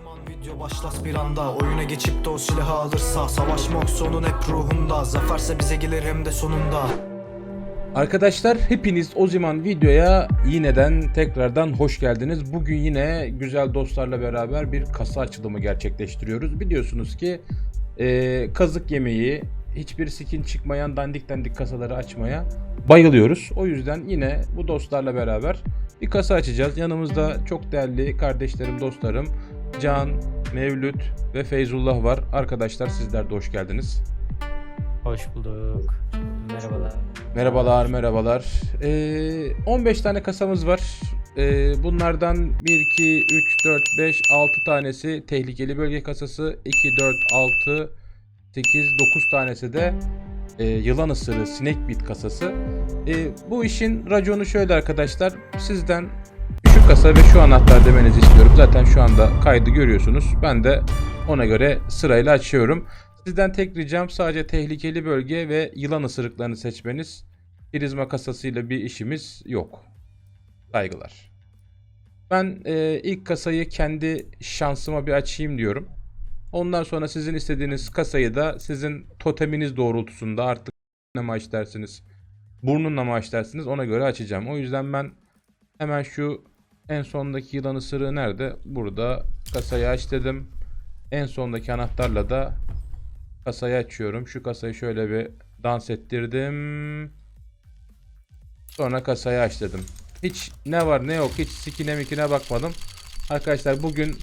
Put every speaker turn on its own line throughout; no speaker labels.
Zaman video başlas bir anda. Oyuna geçip de o silahı alırsa, savaşmak sonun hep ruhunda. Zaferse bize gelir hem de sonunda.
Arkadaşlar hepiniz o zaman videoya yineden tekrardan hoş geldiniz. Bugün yine güzel dostlarla beraber bir kasa açılımı gerçekleştiriyoruz. Biliyorsunuz ki kazık yemeği, hiçbir skin çıkmayan dandik kasaları açmaya bayılıyoruz. O yüzden yine bu dostlarla beraber bir kasa açacağız. Yanımızda çok değerli kardeşlerim, dostlarım Can, Mevlüt ve Feyzullah var. Arkadaşlar sizler de hoş geldiniz.
Hoş bulduk. Merhabalar.
Merhabalar. 15 tane kasamız var. Bunlardan 1, 2, 3, 4, 5, 6 tanesi tehlikeli bölge kasası. 2, 4, 6, 8, 9 tanesi de yılan ısırığı snake bit kasası. Bu işin raconu şöyle arkadaşlar. Sizden şu kasa ve şu anahtar demenizi istiyorum. Zaten şu anda kaydı görüyorsunuz. Ben de ona göre sırayla açıyorum. Sizden tek ricam sadece tehlikeli bölge ve yılan ısırıklarını seçmeniz. Prizma kasasıyla bir işimiz yok. Saygılar. Ben ilk kasayı kendi şansıma bir açayım diyorum. Ondan sonra sizin istediğiniz kasayı da sizin toteminiz doğrultusunda artık ne mi dersiniz, burnunla mı dersiniz ona göre açacağım. O yüzden ben hemen şu en sondaki yılan ısırığı nerede? Burada kasayı aç dedim. En sondaki anahtarla da kasayı açıyorum. Şu kasayı şöyle bir dans ettirdim. Sonra kasayı aç dedim. Hiç ne var ne yok, hiç sikine mikine bakmadım. Arkadaşlar bugün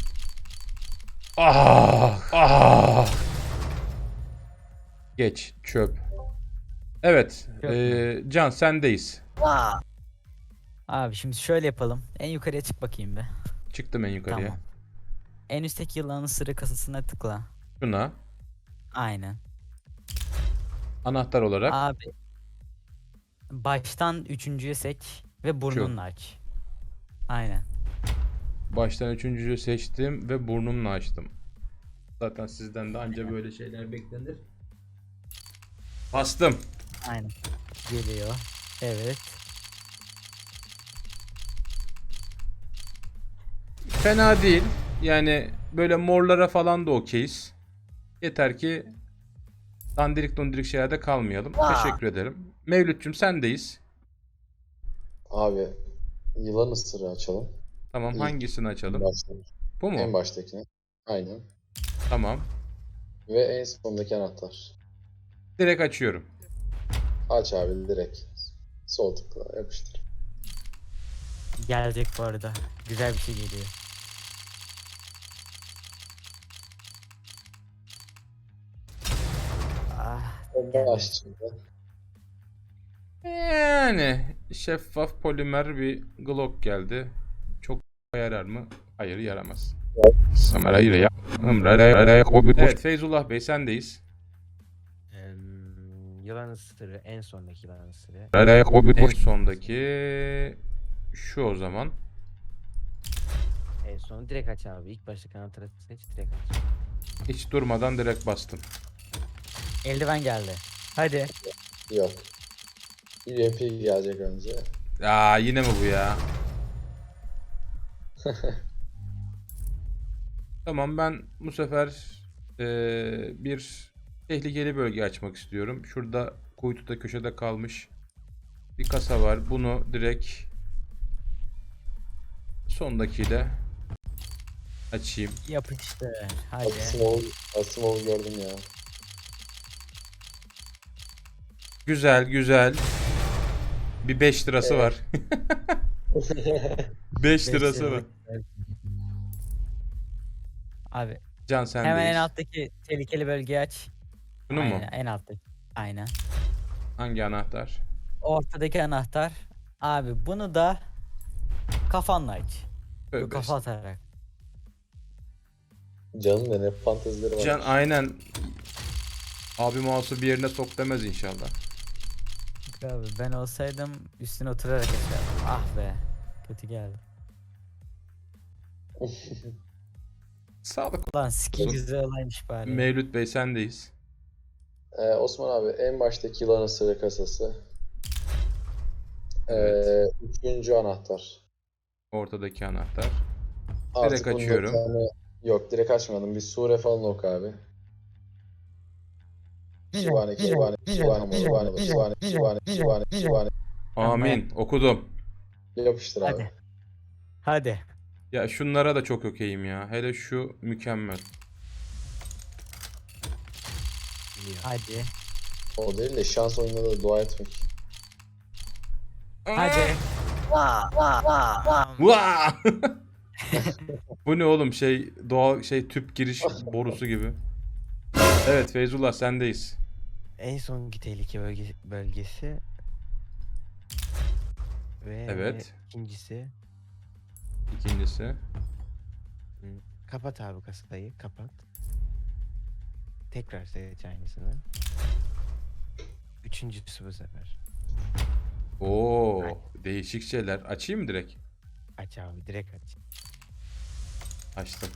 geç çöp. Evet, Can sendeyiz.
Abi şimdi şöyle yapalım. En yukarıya çık bakayım be.
Çıktım en yukarıya.
Tamam. En üstteki yılanın ısırığı kasasına tıkla.
Şuna
Aynen.
anahtar olarak
Abi baştan üçüncüye seç ve burnunla aç. Aynen.
baştan üçüncüyü seçtim ve burnumla açtım. Zaten sizden de anca böyle şeyler beklenir. Bastım.
Aynen. Geliyor. Evet.
Fena değil. Yani böyle morlara falan da okeyiz. Yeter ki dandirik şeylerde kalmayalım. Teşekkür ederim. Mevlütçüm sendeyiz.
Abi yılan ısırığı açalım.
Tamam,
İlk
hangisini
en
açalım?
baştaki.
Bu mu?
En baştakini. Aynen.
Tamam.
Ve en sondaki anahtar.
Direkt açıyorum.
Aç abi direkt. Sol tıkla yapıştır.
Gelecek bu arada. Güzel bir şey geliyor. Ah, geldi.
Aç şimdi.
Yani şeffaf polimer bir Glock geldi. Çok yarar mı? Hayır, yaramaz. Evet, Feyzullah Bey sendeyiz.
Yılan ısırığı, en sondaki yılan ısırığı.
En sondaki şu o zaman.
En son direkt aç abi. İlk başta anahtarı seç, direkt aç.
Hiç durmadan direkt bastım.
Eldiven geldi. Hadi.
Yok. UMP gelecek önce.
Aa, yine mi bu ya? Tamam, ben bu sefer bir tehlikeli bölge açmak istiyorum. Şurada kuytuda köşede kalmış bir kasa var. Bunu direkt sondakiyle açayım.
Yapıştır. Hadi.
Asimov'u gördüm ya.
Güzel. Bir 5 lirası
Evet.
var. 5 lirası var.
Abi
Can
hemen en
sendeyiz.
alttaki tehlikeli bölgeyi aç.
Bunu mu?
Aynen, en alttaki. Aynen.
Hangi anahtar?
Ortadaki anahtar. Abi bunu da kafanla aç.
Tövbe
Kafa atarak.
Can'ın da ne fantezileri var.
Can aynen. Abi mouse'u bir yerine sok demez inşallah.
Abi ben olsaydım üstüne oturarak açardım. Ah be. Kötü geldi.
Sağlık.
Ulan skin güzel olaymış bari.
Mevlüt Bey sendeyiz.
Osman abi en baştaki yılan ısırığı kasası.
Evet.
Üçüncü anahtar.
Ortadaki anahtar.
Artık
Direkt
bunda
açıyorum.
bir tane Yok direkt açmadım. Bir sure falan oku abi. Şivane, Şivane, Şivane, Şivane, Şivane, Şivane, Şivane, Şivane.
Amin. Okudum.
Yapıştır abi.
Hadi. Hadi.
Ya şunlara da çok okeyim ya. Hele şu mükemmel.
Geliyor.
Hadi.
O değil de şans oyununda da dua etmek.
Hadi.
Vaa! Bu ne oğlum şey doğal şey tüp giriş borusu gibi. Evet Feyzullah sendeyiz.
En sonki tehlike bölgesi ve
Evet.
ikincisi
İkincisi.
kapat abi kasayı kapat. Tekrar seç aynısını. Üçüncüsü bu sefer.
Oo, değişik şeyler. Açayım mı direkt?
Aç abi direkt aç.
Açtım.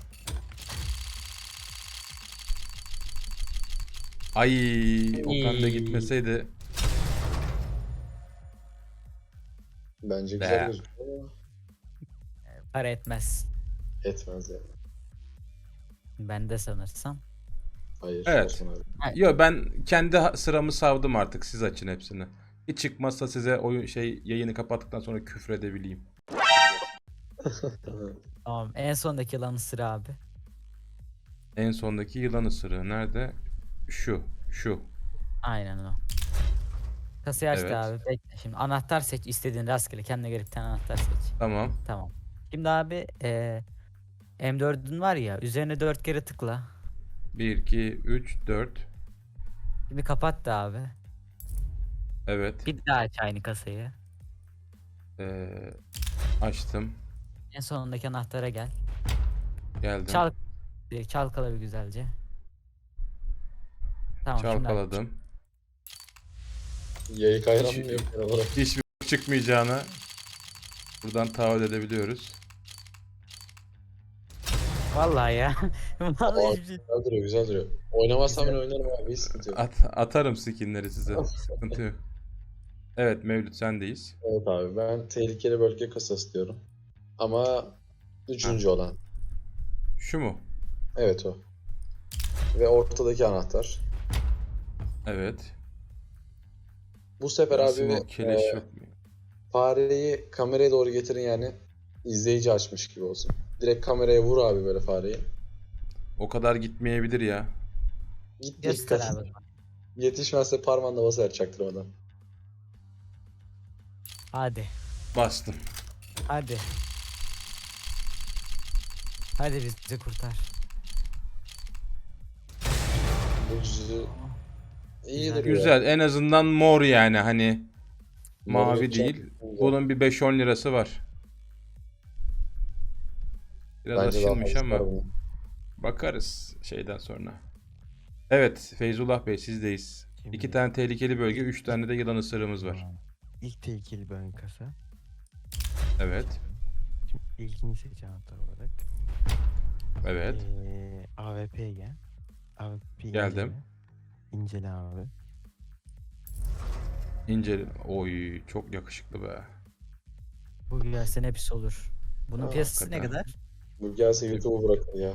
Ay, Okan da gitmeseydi.
Bence
Be.
güzel gözüküyor ama
Para etmez.
etmez yani.
Bende sanırsam.
Hayır.
Evet.
Osman abi.
Yo ben kendi sıramı savdım artık. Siz açın hepsini. Hiç çıkmazsa size oyun yayını kapattıktan sonra küfredebileyim.
Tamam. En sondaki yılanı sıra abi.
En sondaki yılan ısırığı nerede? Şu.
Aynen o. Kasayı açtı
Evet.
abi. Bekle. Şimdi anahtar seç. İstediğin rastgele. Kendine göre bir tane anahtar seç.
Tamam.
Tamam. Şimdi abi M4'ün var ya. Üzerine 4 kere tıkla.
1, 2, 3, 4.
Şimdi kapat da abi.
Evet.
Bir daha aç aynı kasayı.
Açtım.
En sonundaki anahtara gel.
Geldim.
Çalkala bir güzelce. Tamam şimdi aç.
Çalkaladım.
Yayık ayran
Hiç-
mı yok genel olarak?
Hiçbir çıkmayacağını buradan taahhüt edebiliyoruz.
Vallahi ya. Vallahi hiçbir şey.
Güzel duruyor, güzel duruyor. Oynamazsam ben oynarım abi, hiç sıkıntı yok.
Atarım skinleri size. Sıkıntı yok. Evet Mevlüt sendeyiz.
Evet abi, ben tehlikeli bölge kasası diyorum. Ama üçüncü olan.
Şu mu?
Evet o. Ve ortadaki anahtar.
Evet.
Bu sefer abi
Smoke keleş yok mu?
fareyi kameraya doğru getirin yani. İzleyici açmış gibi olsun. Direkt kameraya vur abi böyle fareyi.
O kadar gitmeyebilir ya.
Git
Göster
dikkat.
abi.
Yetişmezse parmağınla basar çaktırmadan.
Hadi.
Bastım.
Hadi. Hadi bizi kurtar.
Bu yüzü iyi
Güzel.
duruyor.
Güzel. En azından mor yani hani mavi
Mor
değil.
yapacak.
Bunun bir 5-10 lirası var. Biraz
Bence daha
aşınmış
fazla
ama
var bunun.
bakarız şeyden sonra. Evet Feyzullah Bey sizdeyiz.
Şimdi-
2 tane tehlikeli bölge, 3 tane de yılan ısırığımız var.
Tamam. İlk tehlikeli bölge kasa.
Evet.
Şimdi ilkini seç anahtar olarak.
Evet.
AWP'ye gel. AWP'yi
Geldim.
İncele abi.
İnceli. Oy çok yakışıklı be.
Bu gelsen hepsi olur. Bunun
Aa,
piyasası ne
hakikaten.
kadar?
Bu gelse YouTube'u bırakır ya.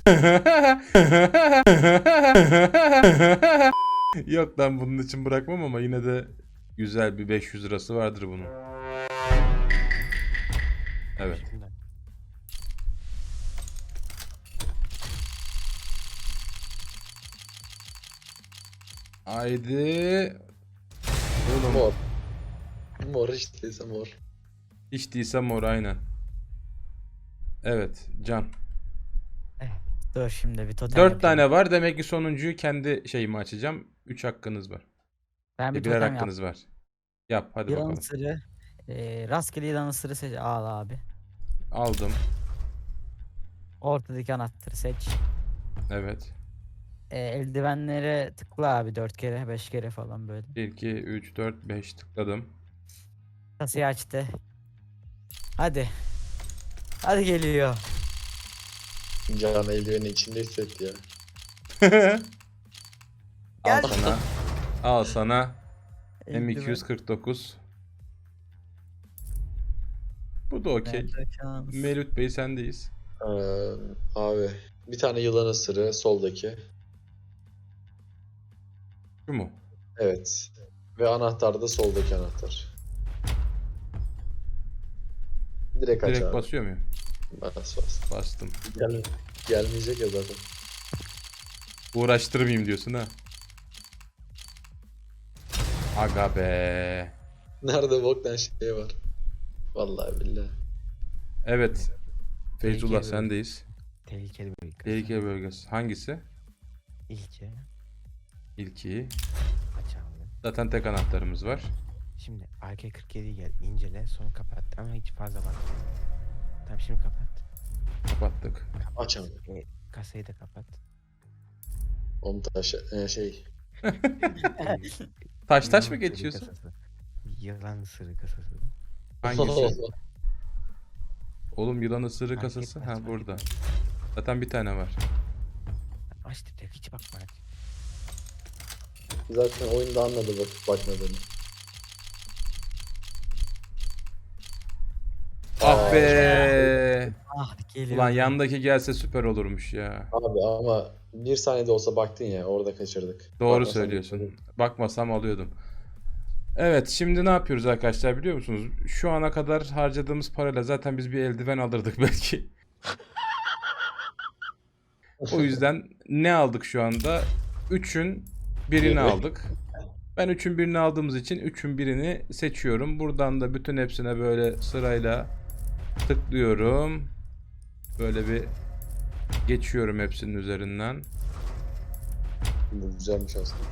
Yok lan bunun için bırakmam ama yine de güzel bir 500 lirası vardır bunun. Evet.
Şimdi
Haydi. Oğlum
Mor. Mor işteyse mor.
hiç değilse mor aynen. Evet Can.
Dur şimdi bir totem
4
yapayım.
tane var demek ki sonuncuyu kendi şeyimi açacağım. 3 hakkınız var.
Ben bir
Birer
totem yap.
hakkınız var. Yap hadi
Yılan
bakalım.
ısırı. Rastgele yılan ısırı seç. Al abi.
Aldım.
Ortadaki anahtarı seç.
Evet.
Eldivenlere tıkla abi 4 kere 5 kere falan böyle.
1, 2, 3, 4, 5 tıkladım.
Kasayı açtı. Hadi. Hadi geliyor.
Can eldiveni içinde hissetti ya.
Al
Gel.
sana. Al sana.
Eldiven.
M249. Bu da okey.
Nerede şans?
Mevlüt Bey sendeyiz.
Abi Bir tane yılan ısırığı soldaki.
Şu mu?
Evet. Ve anahtar da soldaki anahtar. Direkt aç
Direkt
abi.
basıyor muyum?
Bas bas.
Bastım.
Gelmeyecek ya zaten.
Uğraştırmayayım diyorsun ha. Aga be.
Nerede boktan şey var. Vallahi billahi.
Evet. Feyzullah
Tehlikeli
sendeyiz.
Tehlikeli bölge kasa.
Tehlike bölgesi. Hangisi?
İlki
İlki.
aç abi.
Zaten tek anahtarımız var.
Şimdi AK-47'yi gel incele sonra kapat ama hiç fazla bakma. Tamam şimdi kapat.
Kapattık.
Aç abi.
Kasayı da kapat.
Onu taş şey.
Taş
Yılan
mı
ısırığı
geçiyorsun?
kasası. Yılan ısırığı kasası.
Hangisi? Oğlum yılan ısırığı
Fark
kasası.
etmez,
Ha
fark
burada.
etmez.
Zaten bir tane var.
Aç direkt hiç bakma aç.
Zaten oyunda anladı bakmadığını.
Ah be.
Ah geliyor.
Ulan yandaki gelse süper olurmuş ya.
Abi ama bir saniyede olsa baktın ya orada kaçırdık.
Doğru
Bakmasan
söylüyorsun.
kaçırdık.
Bakmasam alıyordum. Evet, şimdi ne yapıyoruz arkadaşlar biliyor musunuz? Şu ana kadar harcadığımız parayla zaten biz bir eldiven alırdık belki. O yüzden ne aldık şu anda? 3'ün birini
Biri.
aldık. Ben 3'ün birini aldığımız için 3'ün birini seçiyorum. Buradan da bütün hepsine böyle sırayla tıklıyorum. Böyle bir geçiyorum hepsinin üzerinden.
Bu güzelmiş aslında.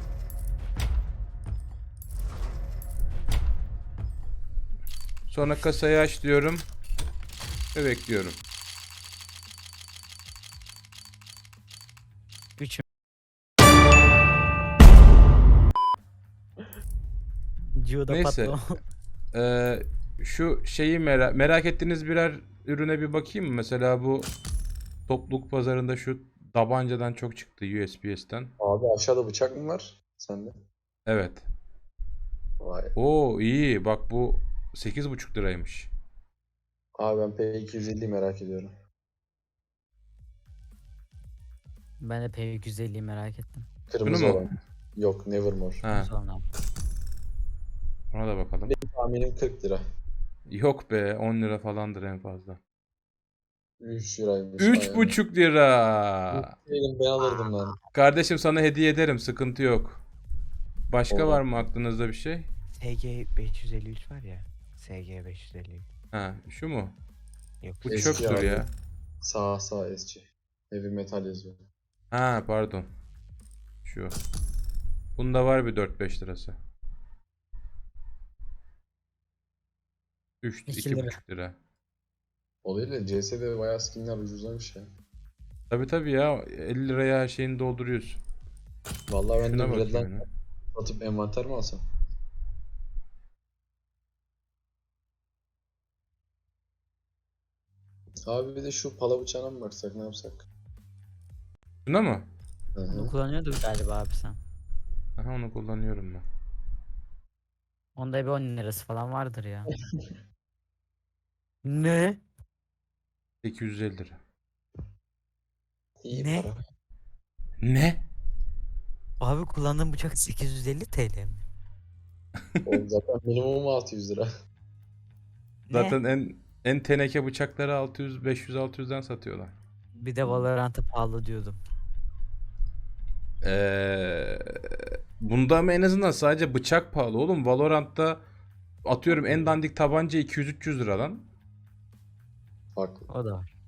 Sonra kasayı aç diyorum ve bekliyorum.
Üçüm. Gio'da
Neyse.
patlama.
Şu şeyi merak ettiğiniz birer ürüne bir bakayım mı? Mesela bu topluluk pazarında şu tabancadan çok çıktı USPS'ten.
Abi aşağıda bıçak mı var? Sende.
Evet.
Vay.
Oo iyi. Bak bu 8,5 liraymış.
Abi ben P250'yi merak ediyorum.
Ben de P250'yi merak ettim.
Kırmızı
mu?
olan. Yok Nevermore.
Ha,
Sonra
ona da bakalım.
Tahminim 40 lira.
Yok be 10 lira falandır en fazla.
3 liraymış.
3,5 lira.
Değilim ben alırdım ben.
Kardeşim sana hediye ederim. Sıkıntı yok. Başka
Olur.
var mı aklınızda bir şey?
SG 553 var ya. SG 553.
Ha, şu mu?
Yok.
Bu
Eski
çöptür
abi.
ya.
Sağ SC. Heavy metal yazıyor.
Ha, pardon. Şu. Bunda var bir 4-5 lirası. 3
2 lira.
2,5 lira.
O değil de CS'de bayağı skinler ucuzlamış ya.
Tabii ya 50 liraya her şeyini dolduruyorsun.
Vallahi ben de
Şuna bakayım
Redline
yine.
satıp envanter mi alsam? Abi bir de şu pala bıçağına mı baksak ne yapsak?
Şuna mı?
Hı
bunu
hı.
kullanıyorduk galiba abi sen.
Aha onu kullanıyorum ben.
Onda bir 10 lirası falan vardır ya. Ne?
850 lira.
İyi
Ne?
para.
Ne?
Abi kullandığım bıçak 850 TL mi?
Oğlum zaten minimum 600 lira.
Ne?
Zaten en teneke bıçakları 600 500 600'den satıyorlar.
Bir de Valorant'a pahalı diyordum.
Bunda ama en azından sadece bıçak pahalı oğlum. Valorant'ta atıyorum en dandik tabanca 200-300 liradan.
Haklı.
O da var.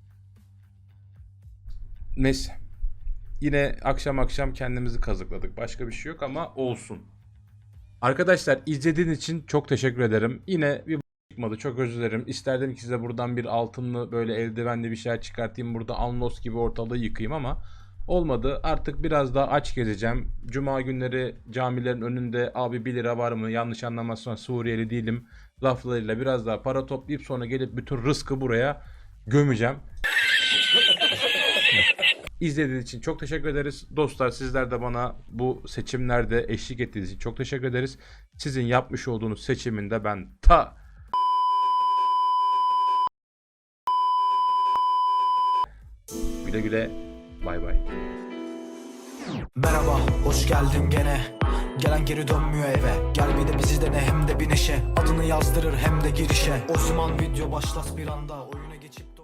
Neyse. Yine akşam kendimizi kazıkladık. Başka bir şey yok ama olsun. Arkadaşlar izlediğiniz için çok teşekkür ederim. Yine bir çıkmadı. Çok özür dilerim. İsterdim ki size buradan bir altınlı böyle eldivenli bir şeyler çıkartayım. Burada Alnos gibi ortalığı yıkayayım ama olmadı. Artık biraz daha aç gezeceğim. Cuma günleri camilerin önünde abi 1 lira var mı? Yanlış anlamazsan Suriyeli değilim. Laflarıyla biraz daha para toplayıp sonra gelip bütün rızkı buraya gömeceğim. İzlediğiniz için çok teşekkür ederiz. Dostlar sizler de bana bu seçimlerde eşlik ettiğiniz için çok teşekkür ederiz. Sizin yapmış olduğunuz seçiminde ben güle güle Bay bay.
Merhaba, hoş geldin gene. Gelen geri dönmüyor eve. Gel bir de bizi dene, hem de bir neşe. Adını yazdırır hem de girişe. Osman video başlat bir anda. Oyuna geçip